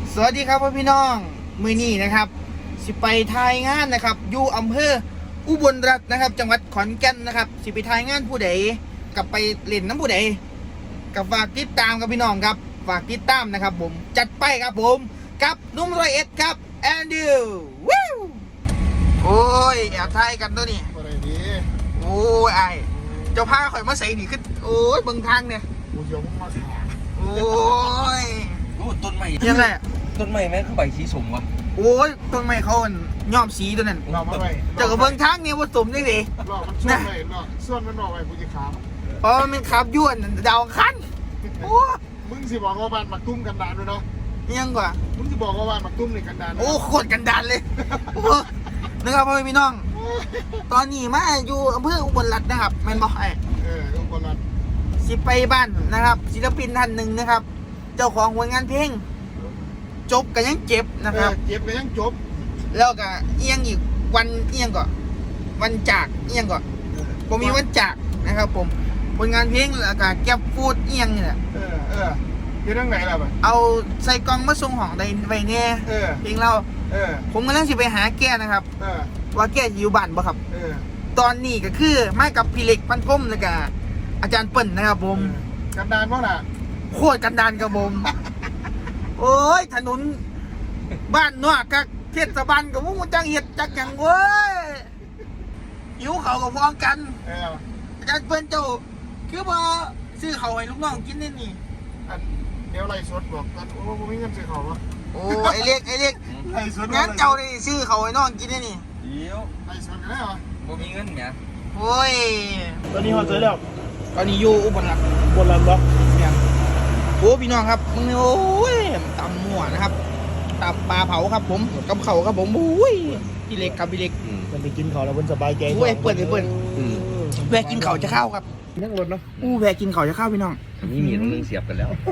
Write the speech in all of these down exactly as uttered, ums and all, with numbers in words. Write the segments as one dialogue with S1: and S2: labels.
S1: สวัสดีครับพี่น้องมือนี้นะครับสิไปทายงานนะครับอยู่อำเภออุบลรัตน์นะครับจังหวัดขอนแก่นนะครับสิไปทายงานผู้ใดกับไปเล่นน้ำผู้ใดกับฝากติดตามกับพี่น้องครับฝากติดตามนะครับผมจัดไปครับผมกับนุ่มร้อยเอ็ดครับแอนดิววู้โอ้ยแอบทายกันตัวนี้
S2: อะไรดี
S1: โอ้ยไอเจ้าพาข่อยมาใส่นี่ขึ้นโอ้ยเบิ่งทางเนี่ย
S2: กูยกมาสิ
S1: โอ้ย
S3: โอ้ต้นไม้
S1: ยังไง
S3: ต้นไม้แม่งเข้าใบสีสมวะ
S1: โอ้ยต้นไม้เขาย้อมสีตัวนั้น
S2: เรามาไป
S1: เจ้ากับเบิ่งทางนี่ว่าสมจังสิ
S2: หลอกมันส่วนไปหลอกส่วนมันหลอกไปกูจะขาม
S1: เพราะมันขับยวนดาวคันโอ้
S2: มึงสิบอกว่าบ้านหมักตุ้มกันดานด้วยเนาะ
S1: ยังกว่า
S2: มึงสิบอกว่าบ้านหมักตุ้มนี่กันดาน
S1: โอ้โคตรกันดานเลยนะครับพ่อพี่น้องตอนนี้มาอยู่อำเภออุบลรัตน์นะครับแม่นบอกไอ้
S2: เอออุบลรัตน์
S1: สิไปบ้านนะครับศิลปินท่านหนึ่งนะครับเจ้าของผลงานเพลงจบกันยังเจ็บนะครับ
S2: เจ็บกันยังจบ
S1: แล้วก็เอียงอีกวันเอียงก่อนวันจากเอียงก่อนผมมีวันจากนะครับผมผลงานเพลงแล้วก็แก็บฟูดเอียงนี่แหละ
S2: เออเอออยู่ทางไหนล่ะบ่
S1: เอาใส่กล่องมาส่งของใดไว้แน่
S2: เออ
S1: เพลงเรา
S2: เออ
S1: ผมกำลังสิไปหาแกนะครับ
S2: เออ
S1: ว่าแกอยู่บ้านบ่ครับ
S2: เออ
S1: ตอนนี้ก็คือมากับพี่เล็กปันก้มแล้วก็อาจารย์เปิ้ลนะครับผม
S2: กันดานเพราะน่ะ
S1: โคตรกันดานครับผมโอ้ยถนนบ้านนอกกับเทศบาลกับมุ้งจังเห็ดจักอย่างเว้ยหิวเขากับฟ้องกันอาจารย์เปิ้ลเจ้าคือพอซื้อเขาให้ลูกน้องกินนี่นี่
S2: เดี๋ยวไล่สดบอกกันโอ้ผมมีเงินซื้อเขาวะ
S1: โอ้ไอเล็กไอเล็ก
S2: ไล่สด
S1: งั้นเจ้าได้ซื้อเขาให้น้องกินนี่นี่
S3: เดี๋ยว
S2: ไล่สดกันได้เหรอ
S3: บ่มีเงินเนี่ย
S1: โอ้ย
S2: ตอนนี้เขาเจอแล้ว
S1: ตอนนี้อยู่อุบลรัตน์
S2: อุบลรัตน์เหรอ
S1: เนี่ยโอ้พี่น้องครับมึงโอ้ยตำมั่วนะครับตับปลาเผาครับผมกับเขาครับผมโอ้ยพี่เล็กครับพี่เล็ก
S2: มันไปกินเขาแล้วมันสบายใจ
S1: โอ้ยเปิดเลยเปิดแวะกินเขาจะเข้าครับ
S2: นั่งรถเนาะ
S1: อู้แวะกินเขาจะเข้าพี่น้อง
S3: นี่มีตรงนึงเสียบกันแล้ว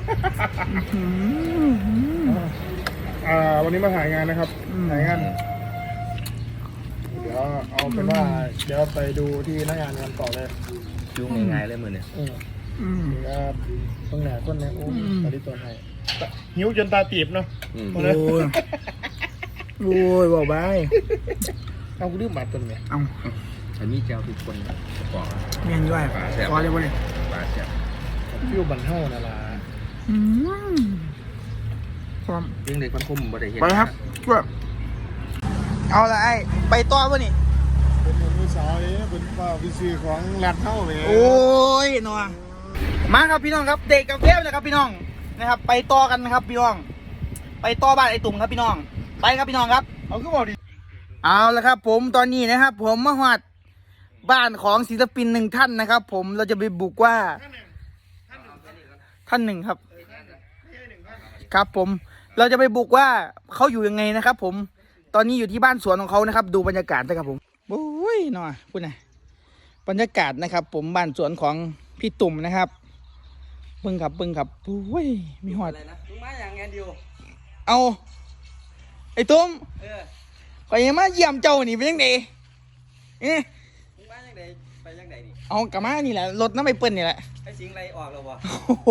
S2: อ่าวันนี้มาถ่ายงานนะครับถ่ายงานเดี๋ยวเอาเป็นว่าเดี๋ยวไปดูที่หน้างานกันต่อเลย
S3: ดูง่ายๆเลยมือเนี่ย
S2: อืมครับต้องแหนก้นเนี่ยโอ้ตอนนี้ตัวไหนหิวจนตาตีบเนาะ
S1: โอ้ยโอ้ยบอกไป
S2: เอาคุณดื้อหมาตัวเนี่ย
S1: เอา
S3: อันนี้เจ้าทุกคนก่อน
S1: เมียนด้วย
S3: ปลาแซ่บ
S1: พอเลยพอเลย
S3: ปลาแซ่บ
S2: ฟิวบันเท่านั่นล่ะ
S1: อืมครับ
S3: ยิ่งเด็กพันคุ้มบ่ได้เห็น
S1: ไปครับช่วยเอาละไอ้ไปต่อวะนี่
S2: เป็นมือสาวนี่เป็นป้าวิซีของแรดเท่าเลย
S1: โอ้ยนัวมาครับพี่น้องครับเด็กกับเทพนะครับพี่น้องนะครับไปต่อกันนะครับพี่น้องไปต่อบ้านไอ้ตุ่มครับพี่น้องไปครับพี่น้องครับ
S2: เอาขึ้นบอกดิ
S1: เอาละครับผมตอนนี้นะครับผมมาหอดบ้านของศิลปินหนึ่งท่านนะครับผมเราจะไปบุกว่าท่านหนึ่งครับครับผมเราจะไปบุกว่าเขาอยู่ยังไงนะครับผมตอนนี้อยู่ที่บ้านสวนของเขานะครับดูบรรยากาศนะครับผมโอ้ยหน่อยพูดหน่อยบรรยากาศนะครับผมบ้านสวนของพี่ตุ่มนะครับเบิ้งครับเบิ้งครับโอ้ยมีหอด
S3: อะไรนะมึงมาอย่างไงดิว
S1: เอาไอ้ตุ่มไปยังมาเยี่ยมเจ้านี่เป็นยังไงเอ๊ะ
S3: มึงมาอย่างไรไปอย่างไรนี่
S1: เอากลับมานี่แหละรถน้ำไปเปิ้ลนี่แหละ
S3: ไอ้สิงไรออกแล้ววะ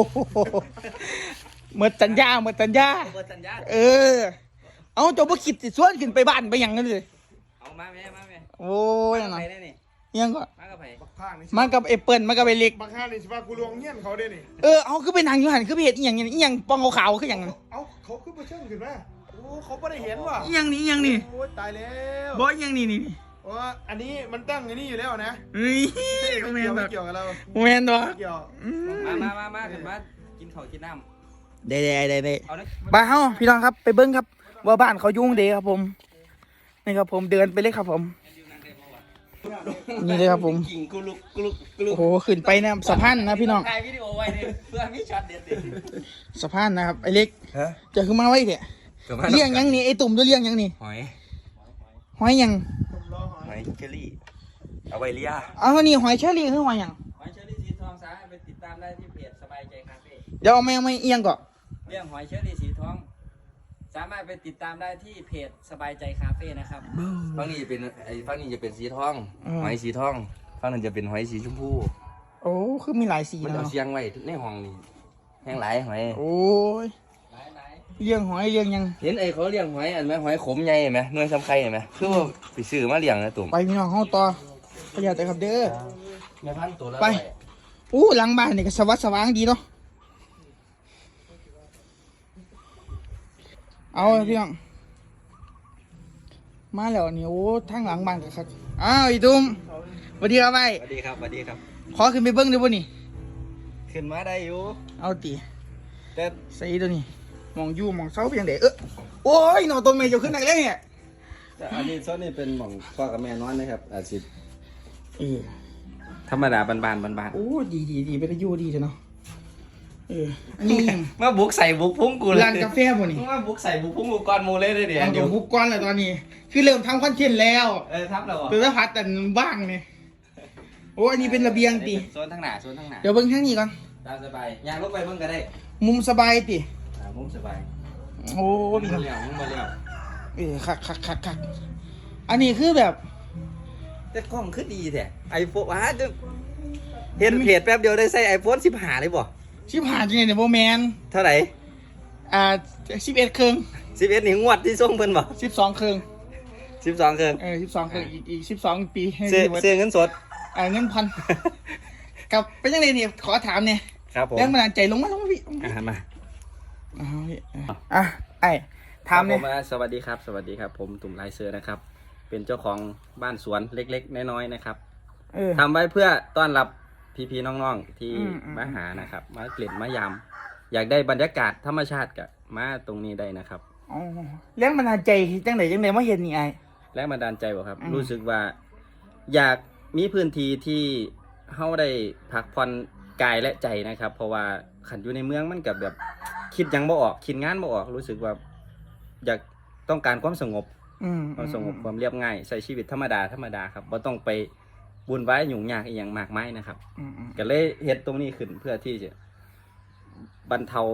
S1: เมื่อสัญญาเมื่อสัญญา
S3: เมื่อสัญญา
S1: เออเอาเจ้าบ่คิดสิส่วนขึ้นไปบ้านไปยังกันเลย
S3: เอามาแม่มาแม่
S1: โอ้ย
S3: ยังไงนี่
S1: ยังก็
S3: มากับไผ
S1: มากับไอ้เปิ้ลมากับไอ้เล็ก
S2: บางข้านี่สิว่ากูลวงเงี้ยนเขาได้นี่
S1: เออเอาคือไปนั่งอยู่หันคือไปเห็นอีหยังอีหยังปองขาวๆคือหยัง
S2: เอาเขาคือไปเชิงขึ้นมาโอ้เขาไม่ได้เห็นว่ะ
S1: อีหยังนี่อีหยังนี่
S2: โอ้ตายแล้ว
S1: บ่อีหยังนี่นี่
S2: โอ้อันนี้มันตั้งอย่างนี้อยู่แล้วนะ
S1: เฮ้ย
S2: ไม่เกี่ยวไม่เกี่ยวกับเรา
S1: แม่นบ่
S2: เกี่ยว
S3: มามามามาขึ้นมากินข้าวกินน้ำ
S1: ได้ได้ได้ได้บ้านเฮาพี่น้องครับไปเบิ้งครับว่าบ้านเขายุ่งเด้ครับผมนี่ครับผมเดินไปเลยครับผมนี่เลยครับผมโอ้โหขึ้นไปนะสะพานนะพี่น้อง
S3: ถ่ายวิดีโอไว้เลยเพื่อมีช็อตเด็ด
S1: สะพานนะครับไอ้เล็กจะขึ้นมาไว้เถอะเลี้ยงยังนี่ไอ้ตุ่มจะเลี้ยงยังนี่
S3: หอย
S1: หอยยัง
S3: หอยเชอรี่เอาไว้เลี้ย
S1: เอานี่หอยเชอรี่คือหอยยัง
S3: หอยเชอรี่สีทองสามารถไปติดตามได้ที่เพจสบายใจคาเฟ่
S1: เดี๋ยวเอาไม่เอาไม่เอียงก่อน
S3: เรื่องหอยเชอรี่สีทองสามารถไปติดตามได้ที่เพจสบายใจคาเฟ่นะครับฝั่งนี้จะเป็นไอ้ฝั่งนี้จะเป็นสีทองหอยสีทองฝั่งนั้นจะเป็นหอยสีชมพู
S1: โอ้คือมีหลายสี
S3: มันเอาเชียงไว้ในห้องนี่แห้งหลายหอย
S1: โอ้ยเลี้ยงหอยเลี้ยงหยัง
S3: เห็นไอ้เขาเลี้ยงหอยอันไหมหอยขมใหญ่เห็นไหมหน่วยสำไข่เห็นไหมคือว่าไปซื้อมาเลี้ยงนะตุ่ม
S1: ไปพี่น้องเฮาต่อประหยัดแต่ครับเด้อ
S3: ในพันตัวละ
S1: ไป อู้หลังบ้านนี่ก็สวัสดิ์สว่างดีเนาะเอาพี่น้องมาแล้วนี่โอ้ทางหลังบ้านก็ครับอ้าวอีตุ้มสวัสดีครับไป
S3: สวัสดีครับสวัสดีครับ
S1: ขอขึ้นไปเบิ้งได้บ่นี่
S3: ขึ้นมาได้อยู่
S1: เอาตี
S3: แต่
S1: ใส่ตัวนี้มองอยู่มองเสาเพียงเด๋เออโอ้ยหนอต้นเมย์จะขึ้นไหนเลยเนี่ย
S3: แต่อันนี้โซนนี่เป็นหม่องพ่อกับแม่นอนนะครับอาชีพ
S1: เออ
S3: ธรรมดาบานๆบาน
S1: โอ้ดีดีดีเป็นอายุดีเถอะเนาะเอออันนี้
S3: ๆมาบุกใส่บุกพุ่งกูเลย
S1: ร้านกาแฟบ่นี่
S3: มาบุกใส่บุกพุ่งกูก่อนหมูเลยเดี๋ยว
S1: เอา
S3: เดี๋
S1: ตั
S3: ยว ว
S1: บุกก้อนเลยตอนนี้ คือเริ่มทำคอนเทนต์แล้ว
S3: เออทับเรา
S1: ตัวสัพัดแต่บ้างเนี่ยโอ้อันนี้เป็นระเบียงตี
S3: โซนทั้งหน้าโซนทั้งหน้า
S1: เดี๋ยวเบิ้งทางนี้ก่อน
S3: ตามสบายยางลงไปเบิ่งก็ได้
S1: มุมสบายตี
S3: อ่ามุมสบาย
S1: โอ้
S3: มุม
S1: พี่
S3: มา
S1: น้อง
S3: เลี้ยวมุมมาเลี้ยว
S1: เออคักคักคักคักอันนี้คือแบบ
S3: แต่กล้องคือดีแท้ไอโฟนว้าจะเห็นเพจแป๊บเดียวได้ใส่ไอโฟนสิบห้าเลยบ่
S1: ชิบหายจริงเนี่ยโบแมน
S3: เท่าไหร่
S1: อ่าสิบเอ็ดเครื่อง
S3: สิบเอ็ดนี่งวดที่ส่งเพิ่นบ่
S1: สิบสองเครื่อง
S3: สิบสองเครื่อง
S1: เออสิบสองเครื่องอีกอีกสิบสองปีให้
S3: ซื้อ
S1: ดีกว่า
S3: ซื้อเงินสด
S1: อ่าเงินพัน กับเป็นยังไงเนี่ยขอถามเนี่ย
S3: ครับผม
S1: แรงบันดาลใจลงมาลงมาพี่
S3: อ่ามา
S1: อ่าพี่อ่ะไอ้ถามเนี่ย
S3: ครับผสวัสดีครับ สวัสดีครับ ผมตุ่มลายเสือนะครับ เป็นเจ้าของบ้านสวนเล็กๆน้อยๆนะครับ
S1: เออ
S3: ทำไว้เพื่อต้อนรับพี่ๆน้องๆที่
S1: อืมอืม
S3: มาหานะครับ มาเกล็ดมายามอยากได้บรรยากาศธรรมชาติกับมาตรงนี้ได้นะครับ
S1: อ๋อแรงบันดาลใจจังไหนจังไหนมาเห็นนี่ไอ้
S3: แรงบันดาลใจบ่ครับ
S1: อืม
S3: รู้สึกว่า อยากมีพื้นที่ที่เฮาได้พักผ่อนกายและใจนะครับ เพราะว่าขันอยู่ในเมืองมันกับแบบคิดหยังบ่ออกคิดงานบ่ออกรู้สึกว่า อยากต้องการความสงบ
S1: อืม
S3: ความสงบความเรียบง่ายใช้ชีวิตธรรมดาธรรมดาครับบ่ต้องไปบุญไว้ยุ่งยากอีหยังมากมายนะครับ
S1: อืมอืม
S3: ก็เลยเฮ็ดตรงนี้ขึ้นเพื่อที่จะบรรเทาก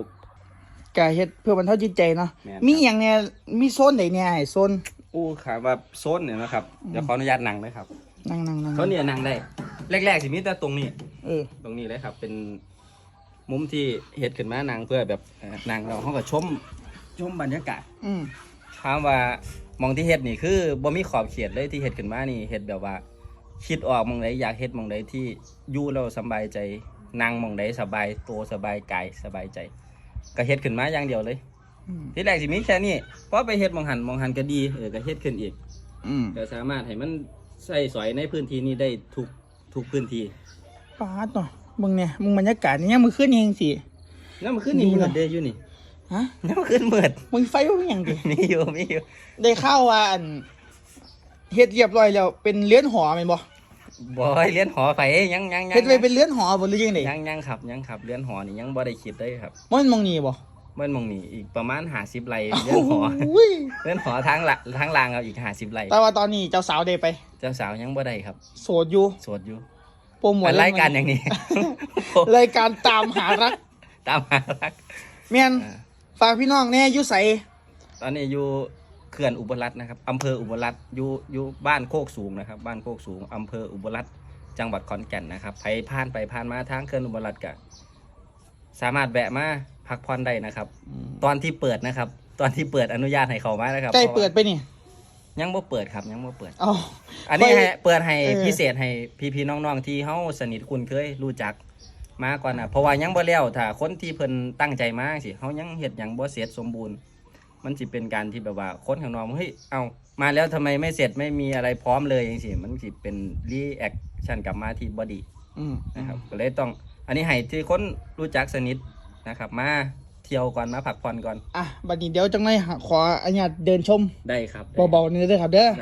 S1: าเฮ็ดเพื่อบรรเทาจิตใจเนาะ
S3: แม่นครับ
S1: มีอย่างเนี่ยมีโซนไหนเนี่ยไอ้โซน
S3: อู้ครับว่าโซนเนี่ยนะครับเดี๋ยวขออนุญาตนั่งเลยครับ
S1: นั่งนั่งนั่ง
S3: โซนนี้นั่งได้แรกๆสิมีแต่ตรงนี้
S1: เออ
S3: ตรงนี้เลยครับ เป็นมุมที่เฮ็ดขึ้นมานั่งเพื่อแบบเอ่อนั่งเราเฮาก็ชมชมบรรยากาศ
S1: อืม
S3: ถามว่ามองที่เฮ็ดนี่คือบ่มีขอบเขตเลยที่เฮ็ดขึ้นมานี่เฮ็ดแบบว่าคิดออกมองใดอยากเฮ็ดมองใดที่อยู่แล้วสบายใจนั่งมองใดสบายตัวสบายกายสบายใจ ก็เฮ็ดขึ้นมาอย่างเดียวเลย
S1: อืม
S3: ที่แรกสิมีแค่นี้พอไปเฮ็ดมองหันมองหันก็ดีเออก็เฮ็ดขึ้นอีก
S1: อืม
S3: ก็สามารถให้มันใส่สอยในพื้นที่นี้ได้ทุกทุกพื้นที่
S1: ปาดเนาะมึงเนี่ยมึงบรรยากาศนี่ยังมือขึ้นเองสิ
S3: แล้วมันขึ้นนี่
S1: ดี
S3: มื
S1: เน
S3: ด
S1: อะ
S3: เด้อยู่นี่
S1: ฮะ
S3: แล้วมันขึ้นมืด
S1: มึงไฟว่าอย่างดิ
S3: มีอยู่มีอยู่
S1: ได้ข่าวว่าอันเฮ็ดเรียบร้อยแล้วเป็นเรือนหอแม่นบ่
S3: บ่ให้เรียนหอไฟยังยังยัง
S1: เฮ็ดไว้เป็นเรือนหอบ่หรือยังได
S3: ยังยังครับยังครับเรียนหอนี่ยังบ่ได้คิดเลยครับ
S1: มันมองนี่บ่
S3: เมื่อมองนี่อีกประมาณ50ไร่เรียนหอ
S1: โอ้ย
S3: เรียนหอทางละทางลางเอาอีก50ไร่
S1: แต่ว่าตอนนี้เจ้าสาวได้ไป
S3: เจ้าสาวยังบ่ได้ครับ
S1: โสดอยู่
S3: โสดอยู่
S1: โปรโมท
S3: อันรายการอย่างนี้
S1: รายการตามหารัก
S3: ตามหารัก
S1: แม่น
S3: อ่า
S1: ฝากพี่น้องแน่อยู่ไส
S3: ตอนนี้อยู่เขื่อนอุบลรัตน์นะครับอำเภออุบลรัตน์อยู่อยู่บ้านโคกสูงนะครับ บ้านโคกสูงอำเภออุบลรัตน์จังหวัดขอนแก่นนะครับใครผ่านไปผ่านมาทางเขื่อนอุบลรัตน์ก็สามารถแวะมาพักผ่อนได้นะครับ ตอนที่เปิดนะครับ ตอนที่เปิดอนุญาตให้เข้ามานะครับ
S1: ใกล้เปิดไปนี่
S3: ยังบ่เปิดครับยังบ่เปิด
S1: อ๋อ
S3: อันนี้
S1: ค่อย
S3: ให้เปิดให้
S1: เออ
S3: พิเศษให้พี่ๆน้องๆที่เฮาสนิทคุ้นเคยรู้จักมาก่อนนะเพราะว่ายังบ่แล้วถ้าคนที่เพิ่นตั้งใจมาสิเฮายังเฮ็ดหยังบ่เสร็จสมบูรณ์ มันสิเป็นการที่แบบว่าคนข้างนอกเฮ้ยเอามาแล้วทำไมไม่เสร็จไม่มีอะไรพร้อมเลยจังซี่มันสิเป็นรีแอคชั่นกลับมาที่บ่ดี
S1: อืม
S3: นะครับก็เลยต้องอันนี้ให้ที่คนรู้จักสนิทนะครับ มาเที่ยวก่อนมาพักผ่อนก่อน
S1: อ่ะบัดนี้เดี๋ยวจังได๋ขออนุญาตเดินชม
S3: ได้ครับ
S1: เบาๆนี่เด้อครับเด้อ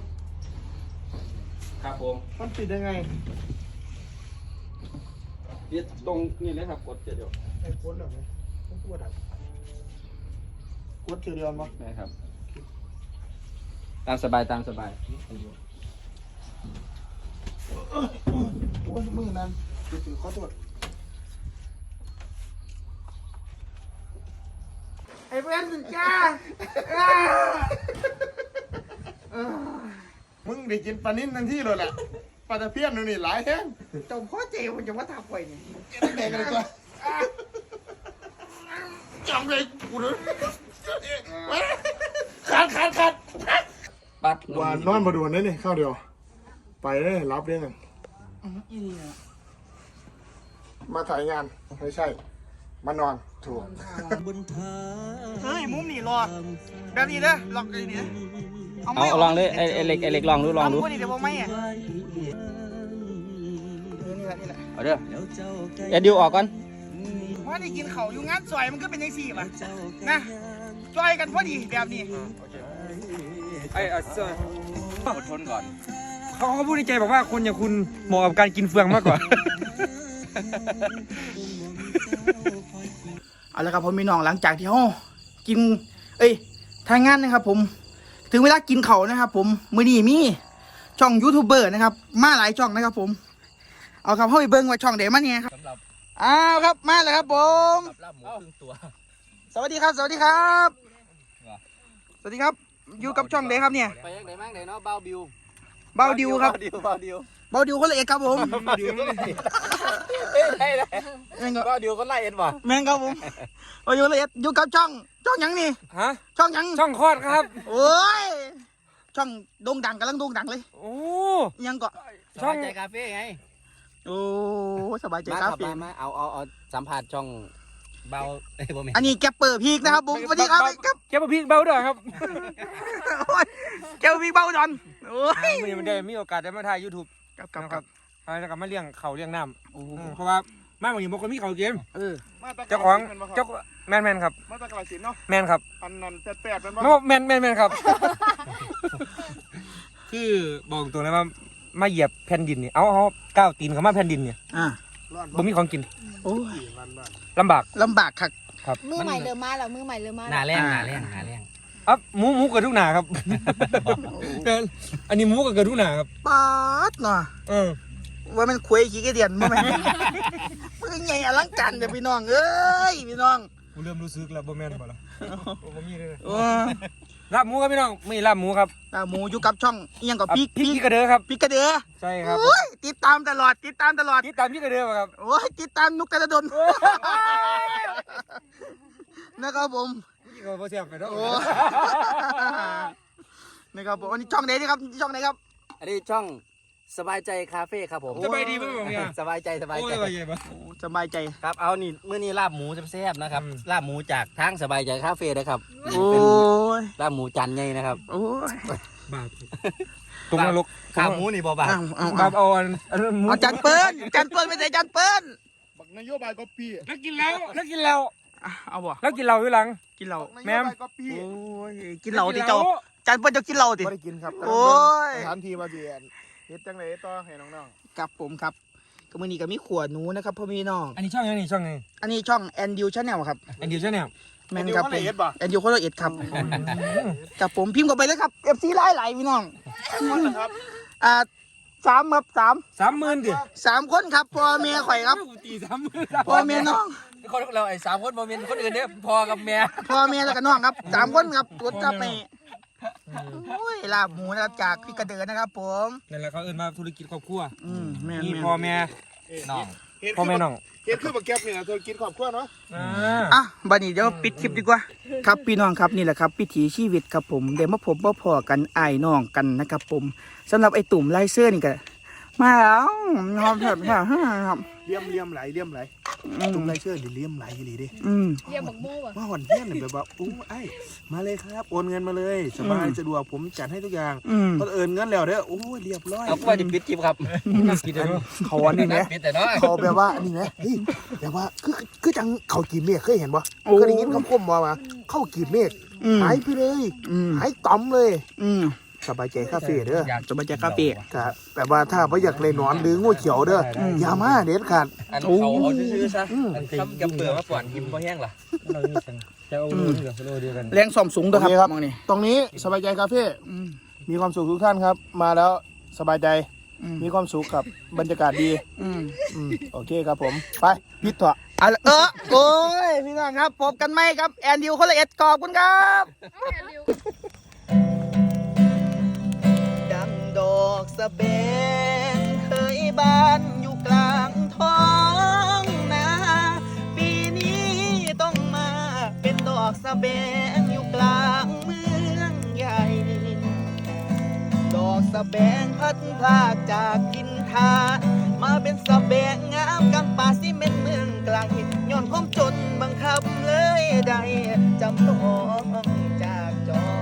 S3: ครับผม
S1: มันติดยังไง
S3: ยึดตรงนี่เลยครับกดเดี๋ยว
S2: ไอ้โค้ดเหรอไหมต้องพูดอ่ะโค้ดคือเดียวมั้ง
S3: นะครับ ตามสบายตามสบาย
S2: โอ้ยมือนั้นถือขอโทษ
S1: ไอ้เพื่อนจ้า
S2: มึงได้กินปลานิ่นทันทีเลยแหละปลาตะเพียนนู่นนี่หลายแห้ง
S1: เจ้าพ่อเจ๋มันจะว่าทับไว้นี่
S2: แกต้องแดงกันเลยตัวจำเลยกูเลยว่านอนมาดูนั่นนี่ข้าวเดียวไปได้รับได้ไง
S1: อืมอีนี่อะ
S2: มาถ่ายงานไม่ใช่ มานอนถูก
S1: เฮ้ยมุมนี่รอแบบนี้เด้อลองเลยนี่
S3: เอาเอาลองเลยไอ้ไอ้เล็กไอ้เล็กลองดูลองดู
S1: เอาพวกนี้เดี๋ยวผมไม่อ่ะเออนี่แหละนี่แหละ
S3: เอาเด้อเอ็ดดิวออกก่อน
S1: ว่าได้กินเขาวอยู่งานซอยมันก็เป็นยังสี่ป่ะนะจอยกันพอดีแบบนี้
S4: ไอ้เสื้อ
S3: อดทนก่อน
S4: เขาเขาพูดในใจบอกว่าคนอย่างคุณเหมาะกับการกินเฟืองมากกว่า
S1: เอาละครับผมมีน้องหลังจากที่เขากิน เอ้ยทางงานนะครับ ผม ถึงเวลากินเขาวนะครับ ผมมื้อนี้มีช่องยูทูบเบอร์นะครับ มาหลายช่องนะครับ ผม เอาครับเข้าไปเบิ้งว่าช่องเดมันเนี่ยครับ
S3: สำหรับ
S1: อ้าวครับมาแล้วครับ ผม
S3: ลาบหมูครึ่งตัว
S1: สวัสดีครับ สวัสดีครับ สวัสดีครับ อยู่กับช่องเดครับเนี่ย
S3: ไปยังไหนมั่งไหนเนาะเบาบิว
S1: เบาดิวครับ
S3: เบาดิวเบาดิว
S1: เบาดิวคนละเอกครับผม
S3: เอ้ยได้เลย
S1: แม่งก็
S3: เบาดิวก็ไล่เอ็ดว่ะ
S1: แม่งครับผมเบาดิวคนละเอกอยู่กับช่อง ช่องหยังนี่
S4: ฮะ
S1: ช่องหยัง
S4: ช่องคลอดครับ
S1: โอ้ย ช่องโด่งดังกำลังโด่งดังเลย
S4: โอ้
S1: ยังก็
S3: ช่องใจคาเฟ่ไง
S1: โอ้สบายใจ
S3: มา
S1: ค
S3: ค
S1: รั
S3: รั
S1: บบ
S3: มามาเอาเอาเอาสัมผัสช่องเบาเอ้ยบ่แม่น
S1: อันนี้แกปเปอร์พีกนะครับผมสวัสดีครับครับ
S4: แกมาพี่เบาด้วยครับ
S1: โอ้ยแกปพีกเบาดอนโอ้ย
S4: วันนี้มันได้มีโอกาสได้มาถ่ายยูทูบ
S1: ครับครับครับ
S4: แล้วก็มาเลี้ยงเขาเลี้ยงน้ำอืมเพราะว่ามาบางทีบางคนมีเขาเกม
S1: เออ
S4: เจ้าของเจ้าแมนแมนครับ
S2: มาตะกร้าสินเนาะ
S4: แมนครับ
S2: อันนั้นแปดๆเป็น
S4: แม
S2: ว่า
S4: นแมนแมนแมนครับ คือบอกตรงเลยว่ามาเหยียบแผ่นดินนี่เอาเอาก้าวตีนเขามาแผ่นดินเนี่ย
S1: อ่า
S4: บ่มีของกิน
S1: โอ้ย
S4: ลำบาก
S1: ลำบากครับ
S5: มือใหม่เริ่มมาแล้วมือใหม่เริ่มมา
S3: หน้า
S5: แล้ว
S3: แรงหน้าแรงหน้าแรง
S4: อ่ะหมูหมูเกิดทุกหนาครับ เกินอันนี้หมูก็เกิดทุกหนาครับ
S1: ป๊าดเนาะ
S4: เออ
S1: ว่ามันคุยขี้กระเดียนมั้ยมือใหญ่อลังการเดี๋ยวพี่น้องเอ้ยพี่น้อง
S4: กูเริ่มรู้สึกแล้วบ่แม่นบ่ล่ะบ่มีเลย
S1: โอ้
S4: ลาบหมูครับพี่น้องไม่ลาบหมูครับ
S1: ตาหมูอยู่กับช่องเอียงกับ
S4: อ่ะ
S1: พี่
S4: พี่พี่กระเดือครับ
S1: พี่กระเดือ
S4: ใช่ครับ
S1: โอ้ยติดตามตลอดติดตามตลอด
S4: ติดตามพี่กระเดือครับ
S1: โอ้ยติดตามนุกกระดนนะครับผม
S4: พี่ก็บ่เสียบไปเนาะ
S1: โอ้นะครับผมอันนี้ช่องไหนนี่ครับช่องไหนครับ
S3: อันนี้ช่องสบายใจคาเฟ่ครับผม
S4: สบายดีป่ะผมเนี่ย
S3: สบายใจสบาย
S4: โอ้
S3: ใจ
S4: ยว่าไงบ่
S1: โอ้สบายใจ
S3: ครับเอานี่มื้อนี้ลาบหมูแซ่บๆนะครับ
S4: อืม
S3: ลาบหมูจากทางสบายใจคาเฟ่นะครับ
S1: โอ้ย
S3: ลาบหมูจันไงนะครับ
S1: โอ้ย
S4: บาปตรงนรก
S3: ขาหมูนี่บ่บา
S1: เอาเอา
S4: บา
S1: เอา
S4: ปเอาอันอันหมู
S1: เอาจันเปิ้ลจันเปิ้ลไม่ใส่จันเปิ้ล
S2: บักนโยบายก็ปี
S4: แล้วกินแล้วแล้วกินแล้ว
S1: อ่ะเอาบ่
S4: แล้วกินเหล้าอยู่หลัง
S1: กินเหล้า
S2: บักน
S4: แม่
S2: โย
S4: ม
S2: บายก็ปี
S1: โอ้ยกินเหล้าดิเจ้าจันเปิ้ลจะกินเหล้าดิ
S2: ไม่ได้กินครับ
S1: โอ้ย
S2: สถานที่มาเดียนเฮ็ดจังเลยต่อให้น้อง
S1: ครับผมครับก็มือนี้ก็มีขวดหนูนะครับพ่อพี่น้อง
S4: อันนี้ช่องยังนี่ช่องไง
S1: อันนี้ช่องแอนดิวชาแนลครับ
S4: อันเดียวใช่ไหม
S2: ๆ
S1: แม่นครับผม
S2: เฮ็ดบ่
S1: แอนดิวโคโรเอ็ดครับกับผมพิมพ์เข้าไปเลยครับเอฟซีไล่ไหลพี่น้อง
S2: ครับ
S1: อ่าสามครับสาม
S4: สามหมื่นดิ
S1: สามคนครับพ่อเมียข่อยครับ
S4: ตีสามหมื่น
S1: พ่อเมียน้อง
S3: คนเราไอ้สามคนบ่แม่นคนอื่นเด้อพอกับแม่
S1: พ่อเมียแล้วก็น้องครับสามคนครับตัวจับไปโอ้ยลาบหมูนะครับจากพี่กระเดือนะครับ ผม
S4: นั่นแหละเขาเอิ้นมาธุรกิจครอบครัว
S1: อืมแม่น
S4: มี
S1: แม่น
S4: พ่อแม่
S3: น้อง
S2: เฮ็ด
S4: พ่อแม่น้อง
S2: เฮ็ดคือบักแก๊บนี่นะเธอกินครอบครัวเนาะ
S4: อ่า
S1: อ่ะบัดนี้เดี๋ยวปิดคลิปดีกว่า ครับพี่น้องครับนี่แหละครับวิถีชีวิตครับผมเดี๋ยวมาผมมาพอกันอ้ายน้องกันนะครับผมสำหรับไอ้ตุ่มไลเซอร์นี่ก็มาแล้วหอมแซ่บครับ
S2: เลี่ยมเลี่ยมไหลเลี่ยมไหล
S1: อืม
S2: จุ่มไรเชื่อดิเลี่ยมไหลอีหลีดิ
S1: อืม
S5: เรียกบักโม่ว่ะ
S2: ว่าหวันเที่ยงเนี่ยแบบว่าอู้ไอ้มาเลยครับโอนเงินมาเลยสบาย
S1: อืม
S2: สะดวกผมจัดให้ทุกอย่าง
S1: อืม
S2: พอเอินเงินแล้วเด้อโอ้ยเรียบร้อย
S3: เอาว่าจะปิดคลิปครับ
S4: น่ากินเลยเนอะ
S2: เขาอันนี้ไหม
S3: ปิดแต่น้อย
S2: เขาแบบว่าอันนี้ไหมเฮ้ยแบบว่าคือคือจังเขากีบเมฆเคยเห็นปะ
S1: โอ้
S2: เคยได้ยินคำคมมาว่าเข้ากีบเมฆ
S1: อืม
S2: หายไปเลย
S1: อืม
S2: หายต่อมเลย
S1: อืม
S2: สบายใจคาเฟ่เด้อ
S1: จะมาจากคาเฟ่
S2: ก็แบบว่าถ้าไม่อยากเลยนอนหรืองูเขียวเด้ออ
S1: ม
S2: อย่ามาเด็ดขาด
S3: อันเขาเอาซื่อๆซะ
S2: อืม
S3: อันทำกับเปลือกมาป่วนกินบ่แห้งล่ะ
S4: เรามีกันจะเอาเงินกับโลเดียวกัน
S1: แรงส่อมสูงด้วยครับมองนี่
S2: ตรงนี้สบายใจคาเฟ่
S1: อืม
S2: มีความสุขทุกท่านครับ มาแล้วสบายใจ
S1: อืม
S2: มีความสุขกับบรรยากาศดี
S1: อืม
S2: อืมโอเคครับผมไปพิดเถอะ
S1: เอาละเออโอ้ยพี่น้องครับพบกันไหมครับแอนดิวคนละเอ็ดขอบคุณครับดังดอกสะเบนเคยบานอยู่กลางท้องนาปีนี้ต้องมาเป็นดอกสะเบนอยู่กลางเมืองใหญ่ะแบงพัดพลากจากกินทานมาเป็นสะแบงงามกำป่าซีเมนต์เมืองไกลย้อนความจนบังคับเลยได้จำต้องจากจอ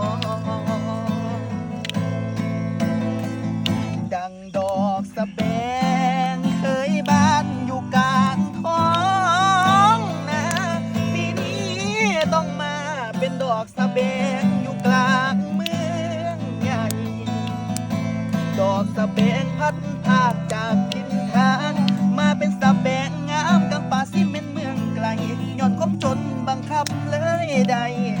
S1: ดังดอกสะแบงเคยบานอยู่กลางท้องนาปีนี้ต้องมาเป็นดอกสะแบงอยู่กลางเมืองใหญ่ดอกสะแบงพัดพาดจากทินทานมาเป็นสะแบงงามกำป่าซีเมนต์เมืองไกลย้อนความจนบังคับเลยใด